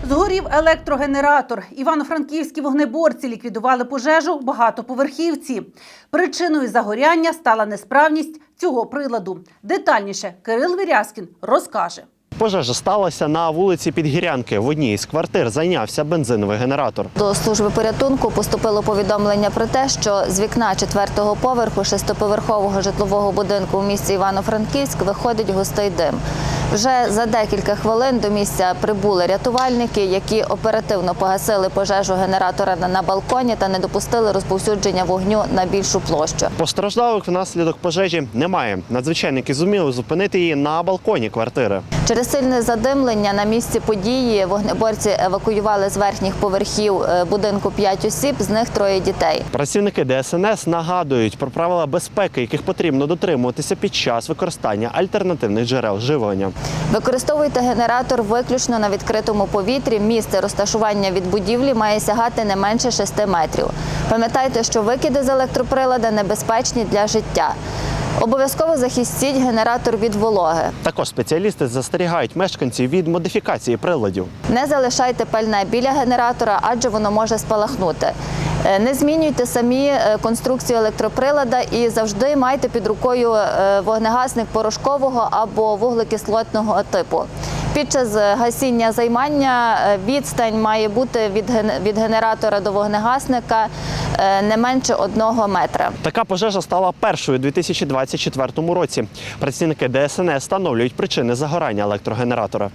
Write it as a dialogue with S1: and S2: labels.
S1: Згорів електрогенератор. Івано-франківські вогнеборці ліквідували пожежу в багатоповерхівці. Причиною загоряння стала несправність цього приладу. Детальніше Кирил Вірязкін розкаже.
S2: Пожежа сталася на вулиці Підгірянки. В одній із квартир зайнявся бензиновий генератор.
S3: До служби порятунку поступило повідомлення про те, що з вікна 4-го поверху 6-поверхового житлового будинку в місті Івано-Франківськ виходить густий дим. Вже за декілька хвилин до місця прибули рятувальники, які оперативно погасили пожежу генератора на балконі та не допустили розповсюдження вогню на більшу площу.
S2: Постраждалих внаслідок пожежі немає. Надзвичайники зуміли зупинити її на балконі квартири.
S3: Через сильне задимлення на місці події вогнеборці евакуювали з верхніх поверхів будинку 5 осіб, з них 3 дітей.
S2: Працівники ДСНС нагадують про правила безпеки, яких потрібно дотримуватися під час використання альтернативних джерел живлення.
S3: Використовуйте генератор виключно на відкритому повітрі. Місце розташування від будівлі має сягати не менше 6 метрів. Пам'ятайте, що викиди з електроприлада небезпечні для життя. Обов'язково захистіть генератор від вологи.
S2: Також спеціалісти застерігають мешканців від модифікації приладів.
S3: Не залишайте пальне біля генератора, адже воно може спалахнути. Не змінюйте самі конструкцію електроприлада і завжди майте під рукою вогнегасник порошкового або вуглекислотного типу. Під час гасіння займання відстань має бути від генератора до вогнегасника не менше 1 метра.
S2: Така пожежа стала першою у 2024 році. Працівники ДСНС встановлюють причини загорання електрогенератора.